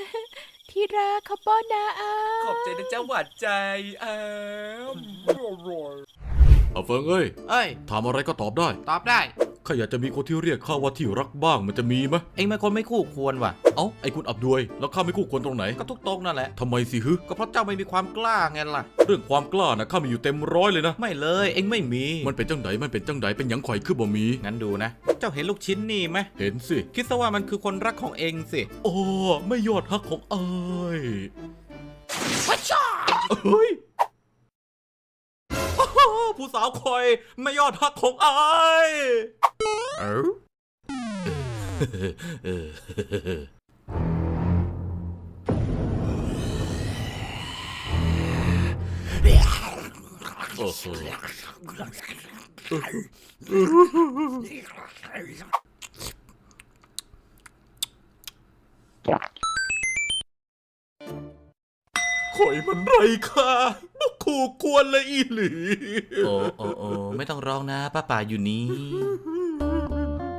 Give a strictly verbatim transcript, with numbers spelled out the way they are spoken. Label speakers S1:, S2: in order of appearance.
S1: ที่รักเขาป้อนนะอ้า
S2: ขอบใจนะเจ้าหวานใจอ้าว
S3: เอาเฟิงเอ้ย
S4: เอ้ย
S3: ถามอะไรก็ตอบได้
S4: ตอบได้
S3: ข้าอยากจะมีคนที่เรียกข้าว่าที่รักบ้างมันจะมีไหม
S4: เอ็งเป็นคนไม่คู่ควรว่ะ
S3: เอ้าไอ้คุณอับดวยแล้วข้าไม่คู่ควรตรงไหน
S4: ก็ทุกตรงนั่นแหละ
S3: ทำไมสิฮึ
S4: ก็เพราะเจ้าไม่มีความกล้าไงล่ะ
S3: เรื่องความกล้านะข้ามีอยู่เต็มร้อยเลยนะ
S4: ไม่เลย เอ็งไม่มี
S3: มันเป็นจังไดมันเป็นจังไดเป็นหยังข่อยคือบ่มี
S4: งั้นดูนะ เจ้าเห็นลูกชิ้นนี่ไหม
S3: เห็นสิ
S4: คิดซะว่ามันคือคนรักของเอ็งสิ
S3: โอ้ไม่ยอดฮักของอ้าย
S4: วัชชา
S3: เฮ้ยผู้สาวคอยไม่ยอดฮักของอ้ายเอ้าเออโอ้โหข่อยมันไรค่ะบ่คู่ควรเลยอีหลี
S4: โอ้โอ้โอ้ไม่ต้องร้องนะป้าป่าอยู่นี้